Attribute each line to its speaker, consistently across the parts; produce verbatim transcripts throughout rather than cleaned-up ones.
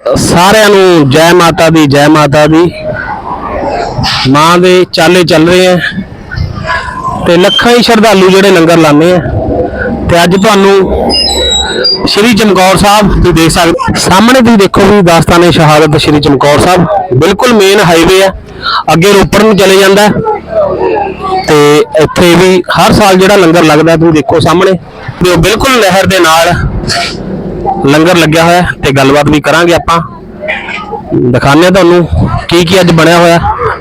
Speaker 1: सारिਆਂ ਨੂੰ जय माता दी जय माता दी मां दे चाले चल रहे हैं ते लखां ही श्रद्धालु जिहड़े लंगर लाने हैं ते अज तुहानू श्री चमकौर साहब तुसीं देख सकदे सामने तुसीं देखो भी दास्ताने शहादत श्री चमकौर साहब बिल्कुल मेन हाईवे है अगे रोपड़ नूं चले जांदा ते इत्थे भी हर साल जिहड़ा लंगर लगदा तुसीं देखो सामने ते बिल्कुल नहर दे नाल लंगर लग्या होया ते गलबात भी करांगे आपां दिखाने तुहानू की की अज बनिया होया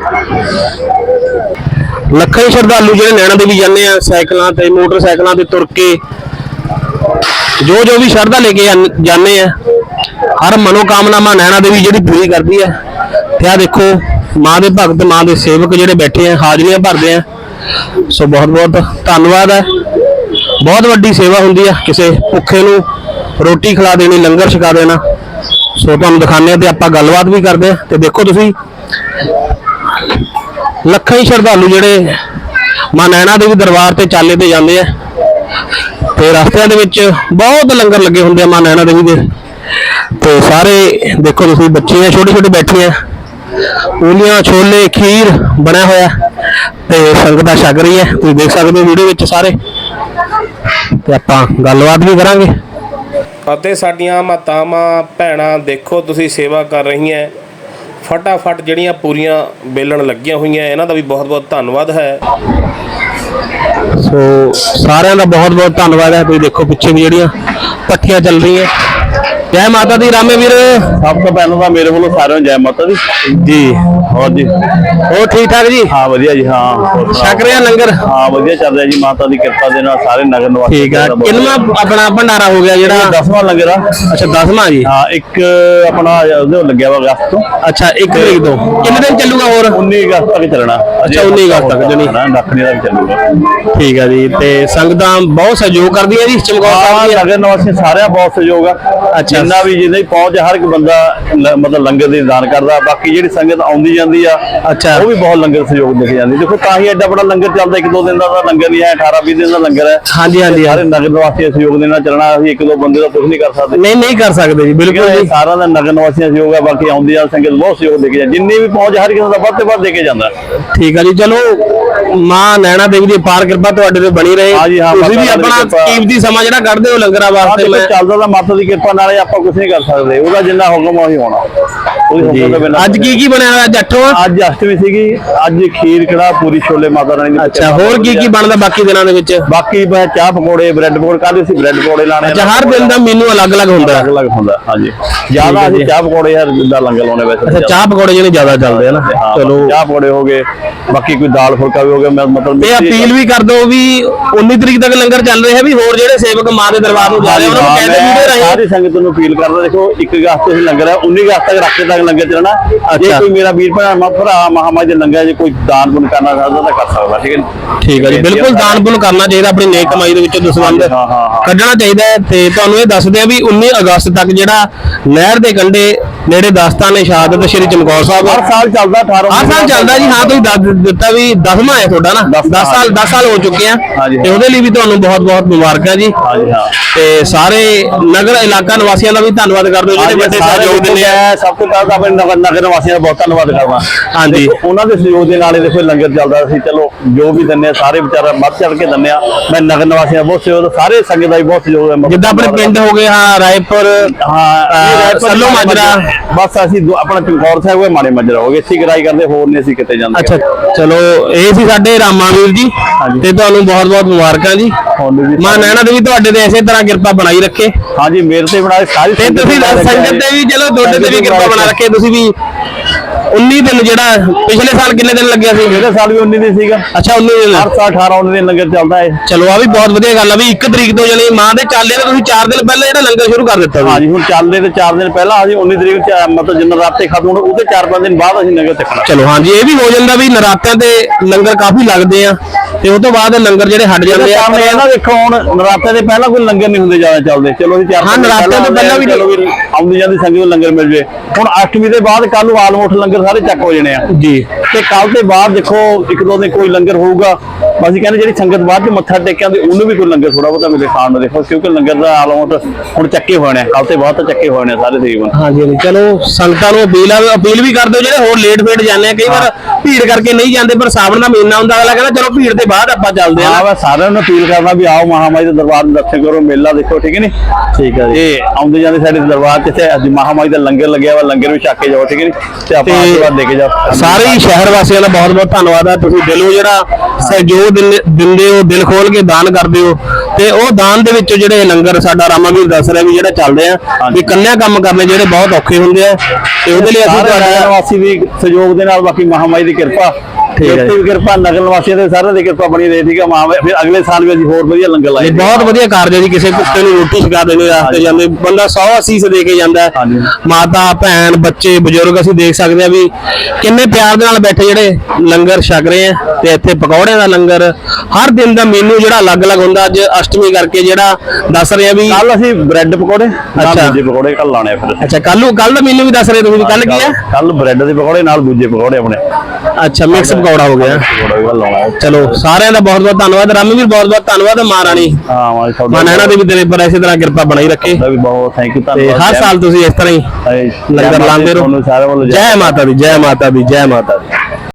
Speaker 1: लखां ही श्रद्धालु जिहड़े नैना देवी जाने आ साइकिलां ते मोटरसाइकिलां ते तुर के जो जो भी श्रद्धा लेके जाने आ हर मनोकामना नैना देवी जिहड़ी पूरी करदी है ते आ देखो मां दे भगत मां दे सेवक जिहड़े बैठे हैं हाजरियां भरदे हैं सो बहुत बहुत धन्नवाद है बहुत वड्डी सेवा हुंदी है किसी भुखे नूं रोटी खिला देनी लंगर छका देना सो तुहानूं दिखाने ते आपां गलबात भी करदे आ ते देखो तुसीं लखां ही श्रद्धालु जिहड़े मां नैना देवी दरबार ते चाले ते जांदे आ ते रस्तिਆਂ ਦੇ ਵਿੱਚ बहुत लंगर लगे हुंदे आ मां नैना देवी दे ते सारे देखो तुसीं बच्चे छोटे छोटे बैठे हैं पूलियां छोले खीर बनया होया ते संगत छक रही है तुसीं देख सकदे हो वीडियो विच सारे ते आपां गलबात भी करांगे
Speaker 2: ਅਤੇ ਸਾਡੀਆਂ ਮਾਤਾਵਾਂ ਭੈਣਾਂ ਦੇਖੋ ਤੁਸੀਂ ਸੇਵਾ ਕਰ ਰਹੀਆਂ ਫਟਾਫਟ ਜਿਹੜੀਆਂ ਪੂਰੀਆਂ ਬੇਲਣ ਲੱਗੀਆਂ ਹੋਈਆਂ ਇਹਨਾਂ ਦਾ ਵੀ ਬਹੁਤ ਬਹੁਤ ਧੰਨਵਾਦ ਹੈ
Speaker 1: सो सारे का बहुत बहुत धन्यवाद है तुम देखो पिछे भी जड़ियाँ पट्टियां चल रही हैं जय माता दी रामे वीर
Speaker 3: सब तो पहले तो मेरे को सारे जय माता दी
Speaker 1: जी
Speaker 3: और जी
Speaker 1: और ठीक ठाक जी
Speaker 3: हाँ वधिया जी हाँ
Speaker 1: छक रहे लंगर
Speaker 3: हाँ वधिया चल रहा जी माता दी कृपा दे नाल सारे नगर निवासी
Speaker 1: ठीक है किन्ना अपना भंडारा हो गया जेड़ा
Speaker 3: दसवां लंगर आ
Speaker 1: अच्छा दसवां जी
Speaker 3: हाँ एक अपना उहदे लग्या वा अगस्त तो
Speaker 1: अच्छा एक तरीक तो कितने दिन चलूगा और
Speaker 3: उन्नीस अगस्त तक चलना
Speaker 1: अच्छा उन्नीस अगस्त तक जनी
Speaker 3: दखनी तक चलूगा
Speaker 1: ठीक है जी ते संगतां बहुत सहयोग कर दी है जी चमकौर साहब दी
Speaker 3: नगर निवासी सारे बहुत सहयोग आ अच्छा जिन्ना भी जिन्ना भी पहुंच हर एक बंदा मतलब लंगर दी दान करदा बाकी जिहड़ी संगत आउंदी जांदी आ अच्छा वो भी बहुत लंगर सहयोग देके जांदी देखो तां ही एडा बड़ा लंगर चलदा एक दो दिन दा लंगर नहीं है अठारह बीस दिन दा लंगर है हां जी हां जी सारे नगर निवासी सहयोग देना चलना असि एक दो बंदे दा कुछ नहीं कर सकदे
Speaker 1: नहीं नहीं कर सकदे जी बिल्कुल जी
Speaker 3: सारा दा नगर निवासी सहयोग है बाकी आउंदी आ संगत बहुत सहयोग देके जांदी जिन्नी भी पहुंच हर किसी दा ਵੱਧ ਤੋਂ ਵੱਧ देके जांदा
Speaker 1: ठीक है जी चलो मां नैना देवी दी पार कृपा तुहाडे ते बनी रहे
Speaker 3: हां जी हां
Speaker 1: तुसीं भी अपना कीमती सਮਾं जिहड़ा कढदे हो लंगरां वास्ते मैं
Speaker 3: ਚੱਲਦਾ ਤਾਂ ਮਾਤਾ ਦੀ ਕਿਰਪਾ ਨਾਲ ਆਪਾਂ ਕੁਝ ਨਹੀਂ ਕਰ ਸਕਦੇ ਉਹਦਾ ਜਿੰਨਾ ਹੁਕਮ ਉਹੀ ਹੋਣਾ ਉਹਦੇ ਹੁਕਮ ਤੋਂ ਬਿਨਾਂ
Speaker 1: ਅੱਜ ਕੀ ਕੀ ਬਣਿਆ ਹੋਇਆ ਅੱਜ ਅੱਠਵਾਂ
Speaker 3: ਅੱਜ ਅਸ਼ਟਮੀ ਸੀਗੀ ਅੱਜ ਖੀਰ ਕੜਾ ਪੂਰੀ ਛੋਲੇ ਮਾਤਾ ਰਾਣੀ ਦੀ
Speaker 1: ਅੱਛਾ ਹੋਰ ਕੀ ਕੀ ਬਣਦਾ ਬਾਕੀ ਦਿਨਾਂ ਦੇ ਵਿੱਚ
Speaker 3: ਬਾਕੀ ਮੈਂ ਚਾਹ ਪਕੌੜੇ ਬ੍ਰੈਡ ਪਕੌੜੇ ਕੱਲ ਅਸੀਂ ਬ੍ਰੈਡ ਪਕੌੜੇ ਲਾਣੇ
Speaker 1: ਅੱਛਾ ਹਰ ਦਿਨ ਦਾ ਮੇਨੂ ਅਲੱਗ-ਅਲੱਗ ਹੁੰਦਾ
Speaker 3: ਅਲੱਗ ਅਲੱਗ ਹੁੰਦਾ ਹਾਂਜੀ ਜਿਆਦਾ ਅਸੀਂ ਚਾਹ ਪਕੌੜੇ ਯਾਰ ਜਿੱਦਾਂ ਲੰਗਰ ਲਾਉਣੇ ਵੈਸੇ
Speaker 1: ਅੱਛਾ ਚਾਹ ਪਕੌੜੇ ਜਿਹੜੇ ਜ਼ਿਆਦਾ ਚੱਲਦੇ ਆ ਨਾ
Speaker 3: ਚਲੋ ਚਾਹ ਪਕੌੜੇ ਹੋ ਗਏ ਬਾਕੀ ਕੋਈ ਦਾਲ ਫੁਲਕਾ ਵੀ ਹੋ ਗਿਆ ਮਤਲਬ
Speaker 1: ਇਹ ਅਪੀਲ ਵੀ ਕਰ ਦੋ ਵੀ उन्नीस तरीक तक लंगर चल रहे हैं भी होर ਜਿਹੜੇ ਸੇਵਕ ਮਾਂ ਦੇ ਦਰਬਾਰ ਨੂੰ ਜਾ ਰਹੇ ਉਹਨਾਂ ਨੂੰ ਕਹਿੰਦੇ ਵੀਡੀਓ ਰਾਹੀਂ
Speaker 3: ਸਾਰੀ ਸੰਗਤ ਨੂੰ ਅਪੀਲ ਕਰਦਾ ਦੇਖੋ ਇੱਕ ਅਗਸਤ ਤੋਂ ਲੰਗਰ ਹੈ उन्नीस अगस्त तक ਰੱਖੇ ਤੱਕ ਲੰਗਰ ਚੱਲਣਾ ਜੇ ਕੋਈ ਮੇਰਾ ਵੀਰ ਭਰਾ ਭਰਾ ਮਹਾਮਾਈ ਦੇ ਲੰਗਰ ਜੇ ਕੋਈ ਦਾਨ ਪੁੰਨ ਕਰਨਾ ਚਾਹਦਾ ਤਾਂ ਕਰ ਸਕਦਾ ਠੀਕ ਹੈ
Speaker 1: ਠੀਕ ਹੈ ਜੀ ਬਿਲਕੁਲ ਦਾਨ ਪੁੰਨ ਕਰਨਾ ਚਾਹੀਦਾ ਆਪਣੀ ਨੇਕ ਕਮਾਈ ਦੇ ਵਿੱਚੋਂ ਦਸਵੰਧ ਕੱਢਣਾ ਚਾਹੀਦਾ ਤੇ ਤੁਹਾਨੂੰ ਇਹ ਦੱਸਦੇ ਆ ਵੀ उन्नीस ਅਗਸਤ ਤੱਕ ਜਿਹੜਾ ਨਹਿਰ ਦੇ ਕੰਢੇ ਨੇੜੇ ਦਾਸਤਾਨੇ ਸ਼ਹਾਦਤ ਸ਼੍ਰੀ ਚਮਕੌਰ ਸਾਹਿਬ
Speaker 3: ਹਰ ਸਾਲ ਚੱਲਦਾ ਅਠਾਰਾਂ
Speaker 1: ਹਰ ਸਾਲ ਚੱਲਦਾ ਜੀ ਹਾਂ ਤੁਸੀਂ ਦੱਸ ਦਿੱਤਾ ਵੀ ਦਸਵਾਂ ਹੈ ਤੁਹਾਡਾ ਨਾ दस ਸਾਲ दस ਸਾਲ ਹੋ ਚੁੱਕੇ ਆ ਤੇ ਉਹਦੇ ਲਈ ਵੀ ਤੁਹਾਨੂੰ ਬਹੁਤ ਬਹੁਤ ਮੁਬਾਰਕਾਂ ਜੀ
Speaker 3: ਹਾਂਜੀ ਹਾਂ
Speaker 1: ਤੇ ਸਾਰੇ ਨਗਰ ਇਲਾਕਾ ਨਿਵਾਸੀਆਂ ਦਾ ਵੀ ਧੰਨਵਾਦ ਕਰਦੇ ਜਿਹੜੇ ਵੱਡੇ ਸਹਿਯੋਗ ਦਿੰਦੇ ਆ
Speaker 3: ਸਭ ਤੋਂ ਪਹਿਲਾਂ ਆਪਣੇ ਨਗਰ ਨਗਰ ਨਿਵਾਸੀਆਂ ਦਾ ਬਹੁਤ ਧੰਨਵਾਦ ਕਰਦਾ
Speaker 1: ਹਾਂਜੀ
Speaker 3: ਉਹਨਾਂ ਦੇ ਸਹਿਯੋਗ ਦੇ ਨਾਲ ਇਹ ਦੇਖੋ ਲੰਗਰ ਚੱਲਦਾ ਸੀ ਚਲੋ ਜੋ ਵੀ ਦਿੰਦੇ ਆ ਸਾਰੇ ਵਿਚਾਰਾ ਵੱਧ ਚੜ ਕੇ ਦਿੰਦੇ ਆ ਮੈਂ ਨਗਰ ਨਿਵਾਸੀਆਂ ਦਾ ਬਹੁਤ ਸਹਿਯੋਗ ਸਾਰੇ ਸੰਗਤ ਦਾ ਵੀ ਬਹੁਤ ਸਹਿਯੋਗ ਹੈ
Speaker 1: ਜਿੱਦਾਂ ਆਪਣੇ ਪਿੰਡ ਹੋ ਗਏ ਹਾਂ ਰਾਏਪੁਰ
Speaker 3: ਹਾਂ
Speaker 1: ਸੱਲੋ ਮਾਜਰਾ
Speaker 3: ਬਸ ਅਸੀਂ ਆਪਣਾ ਚਮਕੌਰ ਸਾਹਿਬ ਹੋਏ ਮਾੜੇ ਮਾਜਰਾ ਹੋ ਗਏ ਅਸੀਂ ਗਰਾਈ ਕਰਦੇ ਹੋਰ ਨਹੀਂ ਅਸੀਂ ਕਿਤੇ ਜਾਂਦੇ
Speaker 1: ਅੱਛਾ ਚਲੋ ਇਹ ਸੀ ਸਾਡੇ ਰਾਮਾ ਵੀਰ ਜੀ ਤੇ ਤੁਹਾਨੂੰ ਬਹੁਤ ਬਹੁਤ ਮੁਬਾਰਕਾਂ ਜੀ ਮਾਂ ਨੈਣਾ ਦੇਵੀ ਤੁਹਾਡੇ ਤੇ ਇਸੇ ਤਰ੍ਹਾਂ ਕਿਰਪਾ ਬਣਾਈ ਰੱਖੇ
Speaker 3: ਹਾਂਜੀ ਮੇਰੇ ਤੇ ਬਣਾਏ ਸਾਰੀ
Speaker 1: ਤੇ ਤੁਸੀਂ ਸੰਗਤ ਤੇ ਵੀ ਚਲੋ ਤੁਹਾਡੇ ਤੇ ਵੀ ਕਿਰਪਾ ਬਣਾ ਰੱਖੇ ਤੁਸੀਂ ਵੀ उन्नीस दिन ਜਿਹੜਾ ਪਿਛਲੇ ਸਾਲ ਕਿੰਨੇ ਦਿਨ ਲੱਗਿਆ ਸੀ
Speaker 3: ਇਹਦੇ ਸਾਲ ਵੀ उन्नीस ਦਿਨ ਸੀਗਾ
Speaker 1: ਅੱਛा उन्नीस ਦਿਨ
Speaker 3: ਹਰ ਸਾਲ ਅਠਾਰਾਂ उन्नीस ਦਿਨ ਲੰਗਰ ਚੱਲਦਾ ਹੈ
Speaker 1: ਚਲੋ ਆ ਵੀ ਬਹੁਤ ਵਧੀਆ ਗੱਲ ਆ ਵੀ ਇੱਕ ਤਰੀਕ ਤੋਂ ਜਾਨੀ ਮਾਂ ਦੇ ਚਾਲੇ ਤੇ ਤੁਸੀਂ ਚਾਰ ਦਿਨ ਪਹਿਲਾਂ ਜਿਹੜਾ ਲੰਗਰ ਸ਼ੁਰੂ ਕਰ ਦਿੱਤਾ
Speaker 3: ਹਾਂਜੀ ਹੁਣ ਚੱਲਦੇ ਤੇ ਚਾਰ ਦਿਨ ਪਹਿਲਾਂ ਅਸੀਂ उन्नीस ਤਰੀਕ ਮਤਲਬ ਜਿੰਨਾ ਰਾਤੇ ਖਤਮ ਹੋਣਾ ਉਹਦੇ ਚਾਰ ਪੰਜ ਦਿਨ ਬਾਅਦ ਅਸੀਂ ਲੰਗਰ ਚੱਕਣਾ
Speaker 1: ਚਲੋ ਹਾਂਜੀ ਇਹ ਵੀ ਹੋ ਜਾਂਦਾ ਵੀ ਨਰਾਤਿਆਂ ਤੇ ਲੰਗਰ ਕਾਫੀ ਲੱਗਦੇ ਆ ਤੇ ਉਸ ਤੋਂ ਬਾਅਦ ਲੰਗਰ ਜਿਹੜੇ ਹਟ ਜਾਂਦੇ ਆ।
Speaker 3: ਕਾਰਨ ਇਹ ਨਾ ਦੇਖੋ ਹੁਣ ਨਰਾਤੇ ਦੇ ਪਹਿਲਾਂ ਕੋਈ ਲੰਗਰ ਨਹੀਂ ਹੁੰਦੇ ਜ਼ਿਆਦਾ ਚੱਲਦੇ, ਚਲੋ ਅਸੀਂ ਚਾਰ
Speaker 1: ਹਾਂ ਨਰਾਤੇ ਤੋਂ ਪਹਿਲਾਂ ਵੀ
Speaker 3: ਚਲੋ ਵੀ ਆਉਂਦੀ ਜਾਂਦੀ ਸੰਗਤ ਨੂੰ ਲੰਗਰ ਮਿਲ ਜੇ। ਹੁਣ ਅਸ਼ਟਮੀ ਦੇ ਬਾਅਦ ਕੱਲ ਨੂੰ ਆਲਮੋਸਟ ਲੰਗਰ ਸਾਰੇ ਚੱਕ ਹੋ ਜਾਣੇ ਆ
Speaker 1: ਜੀ,
Speaker 3: ਤੇ ਕੱਲ ਦੇ ਬਾਅਦ ਦੇਖੋ ਇੱਕ ਦੋ ਦਿਨ ਕੋਈ ਲੰਗਰ ਹੋਊਗਾ। ਅਸੀਂ ਕਹਿੰਦੇ ਜਿਹੜੀ ਸੰਗਤ ਬਾਅਦ ਚ ਮੱਥਾ ਟੇਕਿਆਂ ਦੀ ਉਹਨੂੰ ਵੀ ਕੋਈ ਲੰਗਰ ਥੋੜਾ ਬਹੁਤਾ ਮਿਲੇ ਖਾਣ ਨੂੰ, ਦੇਖੋ ਕਿਉਂਕਿ ਲੰਗਰ ਦਾ ਆਲਮੋਸਟ ਹੁਣ ਚੱਕੇ ਹੋਣੇ ਕੱਲ ਤੇ ਬਾਅਦ ਤਾਂ ਚੱਕੇ ਹੋਣੇ ਸਾਰੇ ਤਕਰੀਬਨ।
Speaker 1: ਹਾਂਜੀ ਹਾਂਜੀ, ਚਲੋ ਸੰਗਤਾਂ ਨੂੰ ਅਪੀਲ ਆ ਅਪੀਲ ਵੀ ਕਰ ਦਿਓ ਜਿਹੜੇ ਹੋਰ ਲੇਟ ਫੇਟ ਜਾਂਦੇ ਆ, ਕਈ ਵਾਰ ਭੀੜ ਕਰਕੇ ਨਹੀਂ ਜਾਂਦੇ, ਪਰ ਸਾਵਣ ਦਾ ਮਹੀਨਾ ਹੁੰਦਾ, ਅਗਲਾ ਕਹਿੰਦਾ ਚਲੋ ਭੀੜ ਦੇ ਬਾਅਦ ਆਪਾਂ ਚੱਲਦੇ ਆ।
Speaker 3: ਹਾਂ ਮੈਂ ਸਾਰਿਆਂ ਨੂੰ ਅਪੀਲ ਕਰਨਾ ਵੀ ਆਓ ਮਹਾਮਾਈ ਦੇ ਦਰਬਾਰ ਦੇ ਦਰਸ਼ਨ ਕਰੋ, ਮੇਲਾ ਦੇਖੋ, ਠੀਕ ਹੈ ਨੀ। ਠੀਕ ਹੈ ਜੀ, ਇਹ ਆਉਂਦੇ ਜਾਂਦੇ ਸਾਡੇ ਦਰਬਾਰ ਚ ਇੱਥੇ ਅੱਜ ਮਹਾਮਾਈ ਦਾ ਲੰਗਰ ਲੱਗਿਆ ਵਾ, ਲੰਗਰ ਵੀ ਛਕ ਕੇ ਜਾਓ, ਠੀਕ ਹੈ ਨੀ, ਤੇ ਆਪਾਂ ਆਸ਼ੀਰਵਾਦ ਦੇ ਕੇ ਜਾਓ।
Speaker 1: ਸਾਰੇ ਹੀ ਸ਼ਹਿਰ ਵਾਸੀਆਂ ਦਾ ਬਹੁਤ ਬਹੁਤ ਧੰਨਵਾਦ ਆ, ਤੁਸੀਂ ਦਿਲੋਂ ਜਿਹੜਾ ਸਹਿਯੋਗ ਦਿੰਦੇ ਦਿੰਦੇ ਹੋ, ਦਿਲ ਖੋਲ ਕੇ ਦਾਨ ਕਰਦੇ ਹੋ, ਤੇ ਉਹ ਦਾਨ ਦੇ ਵਿੱਚੋਂ ਜਿਹੜੇ ਲੰਗਰ ਸਾਡਾ ਰਾਮਾਵੀਰ ਦੱਸ ਰਿਹਾ ਵੀ ਜਿਹੜਾ ਚੱਲਦੇ ਆ ਵੀ ਕੰਨਿਆ ਕੰਮ ਕਰਨੇ ਜਿਹੜੇ ਬਹੁਤ ਔਖੇ ਹੁੰਦੇ ਆ, ਤੇ ਉਹਦੇ ਲਈ ਅਸੀਂ
Speaker 3: ਤੁਹਾਡਾ ਵਾਸੀ ਵੀ ਸਹਿਯੋਗ ਦੇ ਨਾਲ, ਬਾਕੀ ਮਹਾਮਾਈ ਦੀ ਕਿਰਪਾ
Speaker 1: ਠੀਕ ਹੈ
Speaker 3: ਵੀ ਕਿਰਪਾ ਨਗਰ ਵਾਸੀਆਂ ਦੇ ਸਾਰਿਆਂ ਦੀ ਕਿਰਪਾ ਬਣੀ ਰਹੀ, ਠੀਕ ਹੈ ਮਹਾਮਾਈ। ਫਿਰ ਅਗਲੇ ਸਾਲ ਵੀ ਅਸੀਂ ਹੋਰ ਵਧੀਆ ਲੰਗਰ ਲਾਏ।
Speaker 1: ਬਹੁਤ ਵਧੀਆ ਕਾਰਜ ਹੈ ਜੀ, ਕਿਸੇ ਕੁੱਤੇ ਨੂੰ ਰੋਟੀ ਛਕਾ ਦੇਣੀ ਰਾਸਤੇ ਜਾਂਦੇ ਬੰਦਾ ਸੌ ਅਸੀਸ ਦੇ ਕੇ ਜਾਂਦਾ, ਮਾਤਾ ਭੈਣ ਬੱਚੇ ਬਜ਼ੁਰਗ ਅਸੀਂ ਦੇਖ ਸਕਦੇ ਆ ਵੀ ਕਿੰਨੇ ਪਿਆਰ ਦੇ ਨਾਲ ਬੈਠੇ ਜਿਹੜੇ ਲੰਗਰ ਛਕ ਰਹੇ ਆ। ਤੇ ਇੱਥੇ ਪਕੌੜਿਆਂ ਦਾ ਲੰਗਰ ਹਰ ਦਿਨ ਦਾ ਮੇਨੂ ਜਿਹੜਾ ਅਲੱਗ-ਅਲੱਗ ਹੁੰਦਾ, ਅੱਜ ਅਸ਼ਟਮੀ ਕਰਕੇ ਜਿਹੜਾ ਦੱਸ ਰਿਹਾ ਵੀ
Speaker 3: ਕੱਲ ਅਸੀਂ ਬ੍ਰੈਡ ਪਕੌੜੇ,
Speaker 1: ਅੱਛਾ
Speaker 3: ਦੂਜੇ ਪਕੌੜੇ ਕੱਲ ਲਾਣੇ ਆ ਫਿਰ।
Speaker 1: ਅੱਛਾ ਕੱਲ ਨੂੰ ਕੱਲ ਦਾ ਮੇਨੂ ਵੀ ਦੱਸ ਰਹੇ ਤੁਸੀਂ, ਕੱਲ ਕੀ ਆ?
Speaker 3: ਕੱਲ ਬ੍ਰੈਡ ਦੇ ਪਕੌੜੇ ਨਾਲ ਦੂਜੇ ਪਕੌੜੇ ਆਪਣੇ।
Speaker 1: ਅੱਛਾ ਮਿਕਸ ਪਕੌੜਾ ਹੋ ਗਿਆ। ਚਲੋ ਸਾਰਿਆਂ ਦਾ ਬਹੁਤ ਬਹੁਤ ਧੰਨਵਾਦ, ਰਾਮਵੀਰ ਬਹੁਤ ਬਹੁਤ ਧੰਨਵਾਦ, ਮਹਾਰਾਣੀ
Speaker 3: ਹਾਂ
Speaker 1: ਮਾਂ ਨੈਣਾ ਦੇਵੀ ਤੇਰੇ ਪਰ ਇਸੇ ਤਰ੍ਹਾਂ ਕਿਰਪਾ ਬਣਾਈ ਰੱਖੇ,
Speaker 3: ਵੀ ਬਹੁਤ ਥੈਂਕ ਯੂ
Speaker 1: ਤੇ
Speaker 3: ਧੰਨਵਾਦ।
Speaker 1: ਹਰ ਸਾਲ ਤੁਸੀਂ ਇਸ ਤਰ੍ਹਾਂ ਹੀ ਲੰਗਰ ਲਾਉਂਦੇ ਰਹੋ।
Speaker 3: ਸਾਰਿਆਂ ਵੱਲੋਂ
Speaker 1: ਜੈ ਮਾਤਾ ਦੀ, ਜੈ ਮਾਤਾ ਦੀ, ਜੈ ਮਾਤਾ ਦੀ।